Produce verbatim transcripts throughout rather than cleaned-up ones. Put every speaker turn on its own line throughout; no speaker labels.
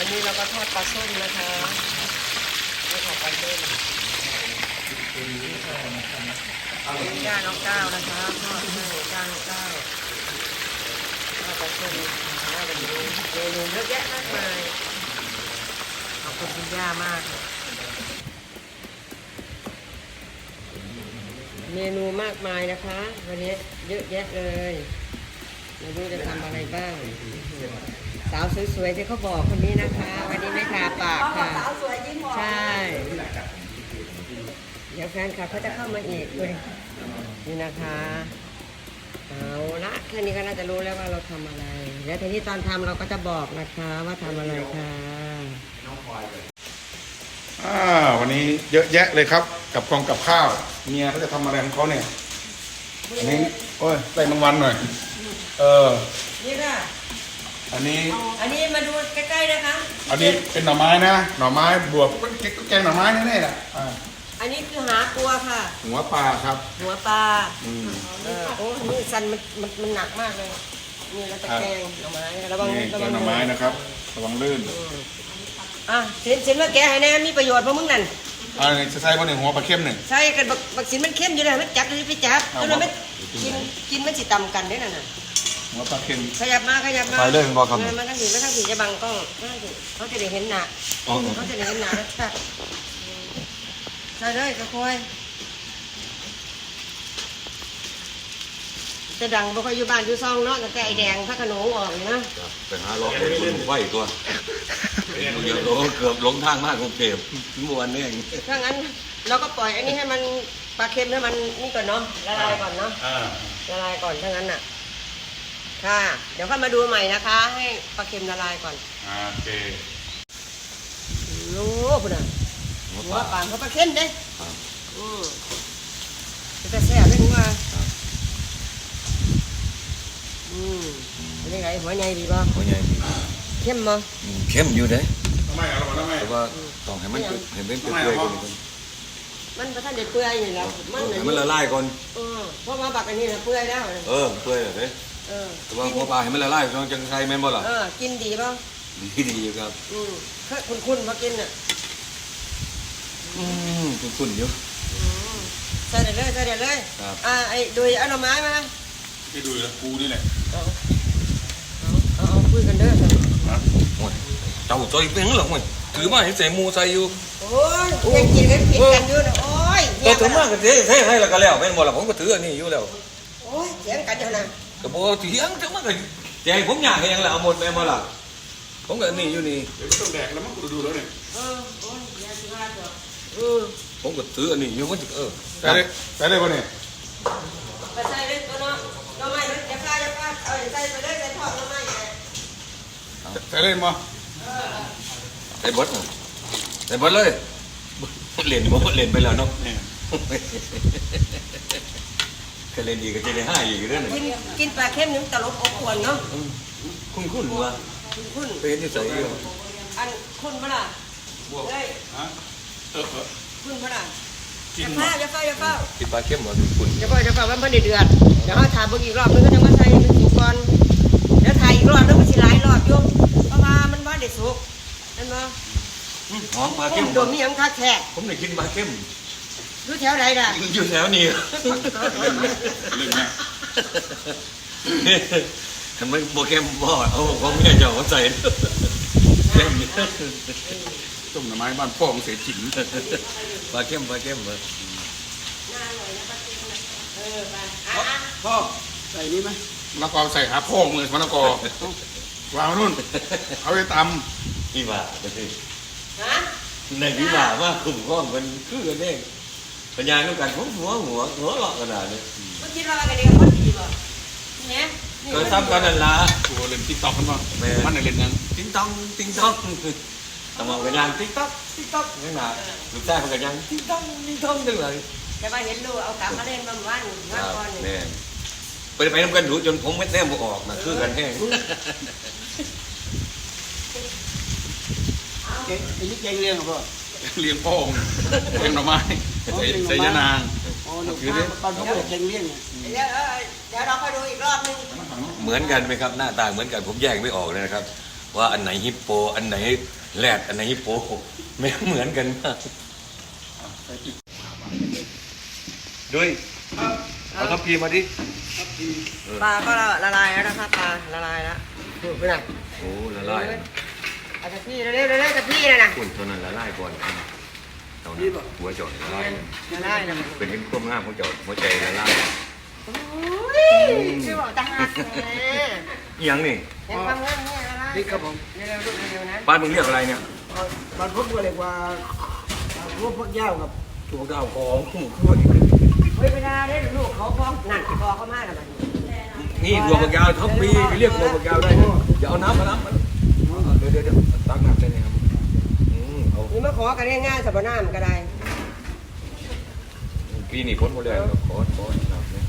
นี้เราก็ทอดปลาส้มนะคะนี่ค่ะปลาส้มนี่ย่าน้องก้าวนะคะทอดให้ย่าน้องก้าวทอดปลาส้มน่าจะมีเมนูเยอะแยะมากมายขอบคุณคุณย่ามากเมนูมากมายนะคะวันนี้เยอะแยะเลยไม่รู้จะทำอะไรบ้างสาวสวยๆที่เขาบอกคนนี้นะคะวันนี้ไม่ทาปากค่ะสาวสวยยิ้มหวานใช่เดี๋ยวแฟนคลับเขาจะเข้ามาอีกเลยนี่นะคะเอาละแค่นี้ก็น่าจะรู้แล้วว่าเราทำอะไรแล้วทีนี้ตอนทำเราก็จะบอกนะคะว่าทำอะไรค่ะ
อ่าวันนี้เยอะแยะเลยครับกับกองกับข้าวเมียเขาจะทำอะไรของเขาเนี่ยอันนี้โอ้ยใส่รางวัลหน่อยเออ
นี่ค่ะ
อันนี้
อันนี้มาดูใกล้ๆนะคะ
อันนี้เป็นหน่อไม้นะหน่อไม้บวกก็แกงหน่อไม้แน่ๆแหละอ่า
อันนี้คือหาตัวค่ะ
หัวปลาครับ
หัวปลา
อืม
เออโอ้นี่สันมันมันมันหนักมากเลยนี่เราจะแกงหน่อไม้ระวัง
นี่แก
ระวั
ง
ง
หน่อไม้นะครับระวังลื่น
อ่ะสินสินว่าแกให้แน่มีประโยชน์เพราะมึงนั่น
อ่าจะใส่บะหนึ่งหัวปลาเข้มหนึ่ง
ใช่กันบักบักสินมันเข้มอยู่เลยมันจับเลยไปจับเพราะมันไม่กินกินมันสิตำกันได้นั่นน่ะ
หัวปลาเค็ม
ขยับมาขยับมา
ไปเลยมันบอกคำ
มันทั้งสีมันทั้งสีจะบังกล้องเขาจะได้เห็นหน้าเขาจะได้เห็นหน้าแล้วแบบใส่เลยกระคอยจะดังบ่ค่อยอยู่บ้านอยู่ซองเนาะแต่ไอแดงพระขนงออกนะ
ไปหาล้อคนไหวตัวเดี๋ยวเกือบหลงทางมากกรุงเทพเมื่อวันนี้เอง
ถ้างั้นเราก็ปล่อยอันนี้ให้มันปลาเค็มให้มันนี่ก่อนเนาะละลายก่อนเนาะละลายก่อนถ้างั้นน่ะค่ะเดี๋ยวค่อยมาดูใหม่นะคะให้ปลาเค็มละลายก่อน
โอเค
โอ้คุณอ่ะหัวปลาเขาปลาเค็มเด้อืมจะแซ่บเลยหัวอืมเป็นยังไงหัวใหญ่ดีป่ะ
หัวใหญ่
เข้มมั้ง
เข้มอยู่เด้
ทำไมอ่ะทำไม
แต่ว่าต้องให้มันเห็นเป็นเปื่อยๆก่อน
มันประทันเด็ดเปื่อยอยู่แล้ว
มันมันละลายก่อน
เออเพราะว่าบักอันนี้นะเปื่อยแล้ว
เออเปื่อยเลย
เออ
แต่ว่าหัวปลาให้มันละลายต้องจังไทยแม่นบ่ล่ะ
เออกินดีป่ะ
ดีดีอยู่ครับ
อืมเคยคุ้นๆมากินอ่ะ
อืมคุ้นๆอยู่
ใส่เด็ดเลยใส่เด็ดเลยอ่าไอ้ดูเอาหน่อไม้มา
ไปดูแล้วกูนี่แหละ
เอาเอาเอาคุยกันเด้อ
โอ้ยเจ้าใจเป็นหรอโอ้ยถือมาให้ใส่มูใส่อยู่
โอ้ยยังกินกันผิดกันอยู่นะโอ้ย
ก็ถือมาก็เท่เท่ให้แล้วก็แล้วแม่นบ่ล่ะผมก็ถืออันนี้อยู่แล้ว
โอ้ยเถียงกันอยู่นะ
ก็บ่เถียงจังมันก็แจงผมอยากให้ยังแล้วเอาหมดแม่นบ่ล่ะผมก็นี่อยู่นี่
เดี๋ยวต้องแดกแล้วมั้งกูดูแล้วเนี่ย
เออโอ้ยยาสิว่าจ้ะเออ
ผมก็ถืออันนี้อยู่มันเออ
ใส่ได้ใส่ได้ป่ะเนี่ย
ไปใส่เลยตัวเนาะหน่อไม้อย่าพลาดอย่าพลาดเอาใส่ไปเลยใส่ทอดหน่อไม้
ใส่ได้มั้ย
ไอ้บดไอ้บดเลยเล่นบ่เล่นไปแล้วเนาะก็เล่นดีก็จะได้ห้าอีกเรื่องนึง
กินกินปลาเค็มนึงตลบอบอวนเนาะ
คุ้นคุ้นว่ะ
คุ้น
เป็นที่ใส่อยู่
อันคุ้นปะล่ะเฮ้ยคุ้นปะล่ะอย่าพลาดอย่าเฝ้าอย่าเฝ้า
กินปลาเค็มบ่คุ้น
อย่าเฝ้าอย่าเฝ้ามันเพิ่นเดือดเดี๋ยวเขาถ่ายเบิ่งอีกรอบนึงก็จะมาใส่เป็นสุกก่อนเดี๋ยวถ่ายอีกรอบนึงมันสิหลายรอบอยู่เพราะว่ามันบ่ได้สุกนั่นบ่
หอมปลาเค็ม
โดนมีหยังคักแท้
ผมได้กินปลาเค็ม
อยู่แถวไหนล่ะ
อยู่แถวนี้ทำไมโบเค็มบ่เอาของแม่เจ้าใส่
ต้มหน่อไม้บ้านพ่อของเสียจิ๋ง
ปลาเค็มปลาเค็มเลย
พ่อใส่นี่ไหมมะละกอใส่หาพ่อมือมะละกอวางนู่นเอาไปต
ำพี่บ่าในพี่บ่าว่าขุ่มข้องมันคือกันเองปัญญาต้องการหัวหัวหัวหัวหลอกขนาดนี้
เมื่อกี้เราอะไรกันคนดีบ่เนี่ย
เคยทำกันนั่นละ
ตัวเล่นติ๊กต็อกกันบ้างมันเล่นยัง
ติ๊กต็อกติ๊กต็อกแต่มาเป็นยังติ๊กต็อกติ๊กต็อกนี่นะลูกชายเขาก็ยังติ๊กต็อกติ๊กต็อกจังเลย
จะมาเห็นลูกเอากลับมาเล่นบางวันวันก่อน
นี่ไปไปน้ำกันดูจนผมไม่แต้มออกนะคือกันแห้ง
ไอ้นี่แกงเลี้ยงเหรอ
เลี้ยงพ่อเลี้ยงหน่อไม้ใส่ยานาง
คือเนี่ยตอนเขาเปิดแกงเลี้ยงเนี่ย
เดี๋ยวเดี๋ยวเราไปดูอีกรอบนึง
เหมือนกันไหมครับหน้าตาเหมือนกันผมแยกไม่ออกเลยนะครับว่าอันไหนฮิปโปอันไหนแรดอันไหนฮิปโปไม่เหมือนกันมากด้วยเอาทัพพีมาดิ
ปลาก็ละลายแล้วนะครับปลาละลายแล้วดูไปไหน
โอ้ละลาย
เอาตะพี่เร็วๆเร็วๆตะพี่นะนะ
คุณตัวนั้นละลายก่อนเอานี่หัวจอดละลาย
ละลายนะ
เป็นเห็นความงามของจอดหัวใจละลาย
โอ้ยชื่อบอกตาหักเลย
อีหยังนี่
เห็นความงามเนี่ยละลาย
นี่ครับผม
เร็วๆลูกเร็วๆนะ
บ้านมึงเรียกอะไรเนี่ย
บางพวกก็เรียกว่าพวกพวกยาวครับ
ตัวดาวของคู่คู่
เฮ้ยเวลาได้ลูกเขาพร้อมนั่นพอเขามาแล้วมัน
นี่หัวปากยาวทัพพีเรียกหัวปากยาวได้อย่าเอาน้ำมาน้ำมาเดี๋ยวเดี๋ยวเดี๋ยวตักน้ำได้ไหมครับอืมเอา
นี่มาขอกันง่ายๆสับน้ำก็ได้
ปีนี้พ้นหมดแล้วขอขอน้ำเนี่ย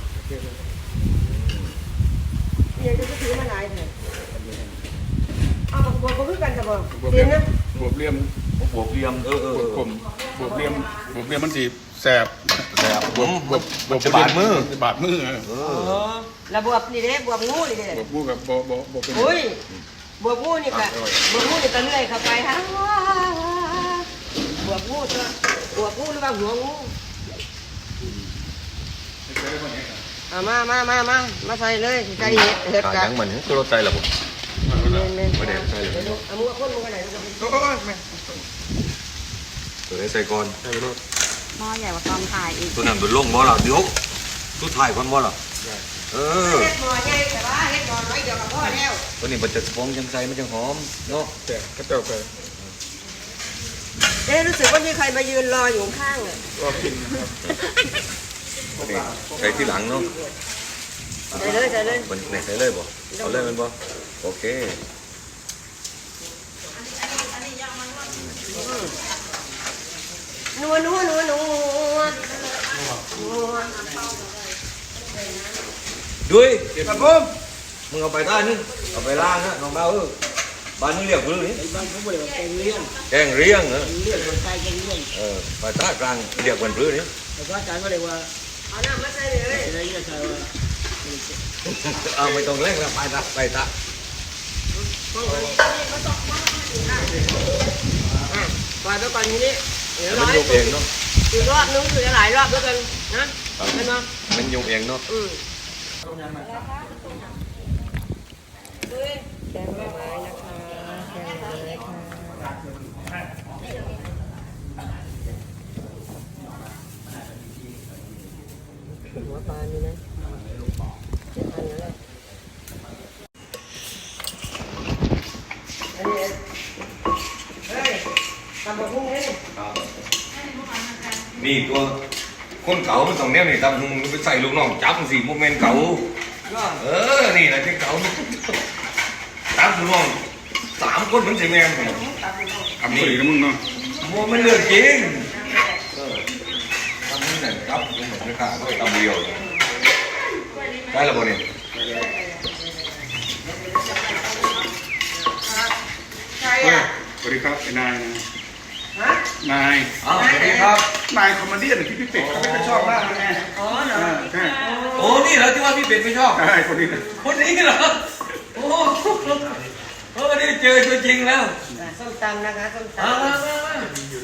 เนี่ยจะถือมาหลายเถอะเอาบวกบวกคือกันสับบ่เตียนนะ
บวบเลี่ยม
บวกเรียมเออเออบ
วบกลมบวบเลี่ยมบวบเลี่ยมมันสีแสบ
แต่ผม
บวบบวบ
จะบาดมือ
จะบาดมือเออ
เอ
อ๋อ
อ
แล้วบวบนี่เด้บวบงูนี่เด้
บวบมือกับบวบบวบบวบเป็น
อุ้ยบวบงูนี่ก็บวบงูนี่ก็เลื่อยเข้าไปฮะบวบงูตัวบวบงูหรือว่าหัวงูเอามามามามามาใส่เลยใส่เห็ดเห็ด
ขา
กั
ยังเหมือนตัวรถใจหรอผม
เล่นเล่น
ไม่ได้ใส่เลย
เอามือคนมือกันไหนลูก
โอ้ยแม่
ตัวได้ใส่ก่อน
ใส่รถ
หม้อใหญ่กว่าตอนถ่ายอีก
ตัวนั้นตัวลงบ่ล่ะเดี๋ยวตัวถ่ายก่อนบ่ล่ะเออ
เห็ดหมอใหญ่แต่ว่าเห็ดหมอน้อยเดียวกับพ่อแล้ว
ตัวนี้มันจะฟองจังใสมันจะหอมเนาะ
แต่กระเจ้าไป
เอ๊ะรู้สึกว่ามีใครมายืนรออยู่ข้างเลย
รอกินนะครับ
ตัวนี้ใส่ที่หลังเนาะ
ใส่เลยใส่เลย
มันไหนใส่เลยบ่เอาเลยมันบ่โอเค
นัวนัวนัวนัวนัว
ด้วย
ครับผม
มึงเอาไปใต้นึงเอาไปล่างนะน้องเบาเออบ้านมึงเรียกพื้นนี่
ไอ้บางพวกก็เรียกว่าแกงเลี้ยง
แกงเรียงเหรอ
เลี้ยงคนใต้แกงเลี้ยง
เออไปใต้กลางเรียกเป็นพื้นนี่
แต่ว่าอาจารย์ก็เรียกว่า
เอาน้ำมาใส่เลย
อะไรก็ใช่ว่า
เอาไม่ต้องเร่งแล้วไปตาไปตา
อ่ะปล่อยไปก่อนทีนี้เดี๋ยวรอ
มัน
ให้
ยุบเองเนาะ
อีกรอบนึงคือหลายรอบด้วยกันนะเห็นไหม
มันยุบเองเนาะ
อืมแกงหน่อไม้นะคะแกงหน่อไม้ค่ะหัวปลามีไหมเจ็ดพันแล้วแหละอันนี้เฮ้ยทำแบบพวกนี้
นี่ตัวคนเก่ามันต้องแนวนี่ตำหุงไปใส่ลูกน้องจับสิโมเมนต์เก่าเออนี่แหละที่เก่าจับลูกน้องสามคนมันสิแม่น
ทำสีนะมึงเนาะ
โมมันเลือกจริงเออทำนี่แหละจับมันเหมือนกันด้วยตำเดียวได้แล้วบ่เนี่ย
ใครอ่ะ
สวัสดีครับไอ้นายนะ
ฮะ
นาย
อ้าวสวัสดีครับ
นายคอมเมดี้ที่พี่เป็ดเขาไม่ค่อยชอบมากนะไง
อ๋อเหรอ
อ่าใช่
โอ้นี่เหรอที่ว่าพี่เป็ดไม่ชอบ
ใช่คนนี้นะ
คนนี้เหรอโอ้เออนี่เจอตัวจริงแล้ว
ส้มตำนะคะส้มต
มามามามา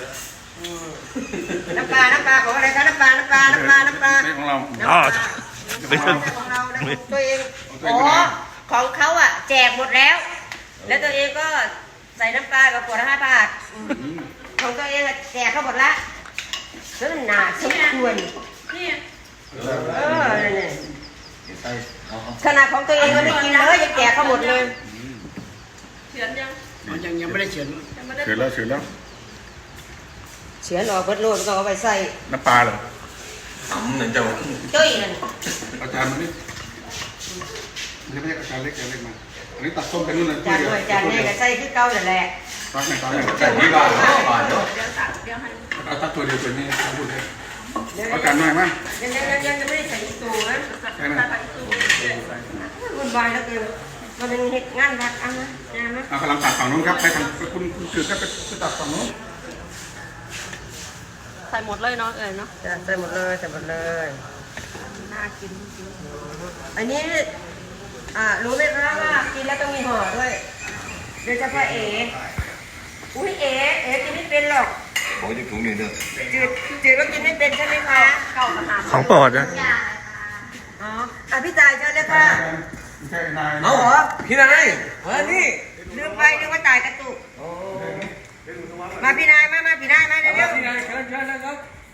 ำน้ำปลา น้ำปลาของอะไรคะน้ำปลา น้ำปลา น้ำปลา น้ำปลา
ไม่ของเรา
น้ำปลาไม่ใช่ของเรานะของตัวเองอ๋อของเขาอ่ะแจกหมดแล้ว แล้วตัวเองก็ใส่น้ำปลากับขวดละห้าบาทของตัวเองอะแจกเขาหมดละซึ่งหนาสมควรเออเนี่ย
ใส่เอาเอา
ขนาดของตัวเองก็ไม่กินเลยยังแจกเขาหมดเลย
มันยังยังไม่ได้เขียน
เสร็จแล้วเสร็จแล้ว
เฉือนออกเบิดโลดก็เอาไปใส่
น้ำปลาเหรอ
ตำนั่นเจ้า
จุ้ยนั่น
อาจารย์มานี่ไม่ใช่อาจารย์เล็กอาจารย์เล็กมาอันนี้ตัดส้มไปนู่นเลย
จานหน่อยจานนี้ก็ใส่คือเก่านั่นแหละ
ตักไหนตักไหน
แต่ที่บ้านเนาะบ้านเนาะ
เอาตักตัวเดียวตัวนี้พูดเลย
เดี๋ยว
เอาจานหน่อยมั้ย
ยังยังยังยังไม่ได้ใส่อีกตัวนะ
ใช่ไหม
วุ่นวายแล้วเกินมันเป็นเหตุงานวัดอ่ะนะงานนะ
เอากำลังตัดฝั่งนู้นครับให้ทางคุณคุณสื่อก็ไปตัดฝั่งนู้น
ใส่หมดเลยเนาะเอ่ยเนาะ
จะใส่หมดเลยใส่หมดเลย
น่ากินจริง
อันนี้อ่ารู้ไหมคะว่ากินแล้วต้องมีห่อด้วยโดยเฉพาะเอ๋อุ้ยเอ๋เอ๋กินไม่เป็นหรอก
ขอจะถุงหนึ่งเด้อ
จืดจืดแล้วกินไม่เป็นใช่ไหมคะ
เก่าขนาด
ของโปรดนะ
อ๋ออ่ะพี่จ่ายเชิญเลยค่ะ
ใช่นาย
เอ้าพี่นายมานี่
ลืมไปนึกว่าจ่ายกระตุกมาพี่นายมามาพี่นายมาเร็ว
พี่นายเชิญเชิญนะครับ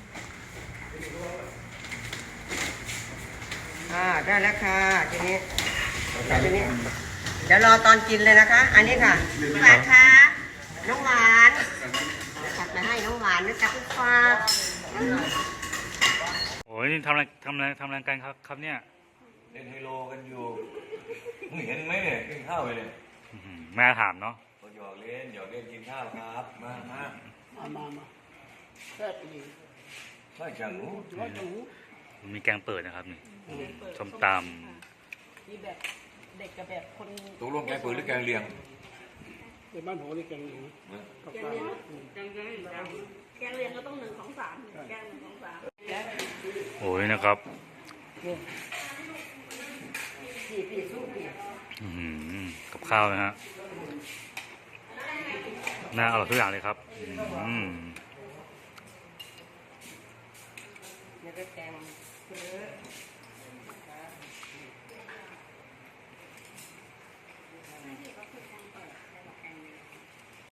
ๆอ่าได้แล้วค่ะทีนี้ทีนี้เดี๋ยวรอตอนกินเลยนะคะ อันนี้ค่ะหวานค่ะน้องหวานจัดมาให้น้องหวานนะจ๊ะคุณฟ้า
โอ้ยนี่ทำอะไรทำอะไรทำอะไรกันครับครับเนี่ย
เล่นไฮโลกันอยู่มึงเห็นไหมเนี่ยกินข้าวไปเนี่ย
อื้อหือแม่ถามเนาะ
ก็หยอกเล่นหยอกเล่นกินข้าวครับมามา
มามามาแซ่บดี
ไม่จังหนู
ร้อยจังหู
มีแกงเปิดนะครับนี่ส้มต
มีแบบเด็กกับแบบคน
ตกลงแกงเปิดหรือแกงเลียง
ในบ้านโหนี่กันอยู่กับข้าว
แกงเรียนก็ต้องหนึ่งของสามแกงหนึ่งของสาม
ำโอ้ยนะครับ
พี่พี่สู้พี่
อื้อหือกับข้าวนะฮะน่าอร่อยทุกอย่างเลยครับอืม
แล้วก็แกงเลย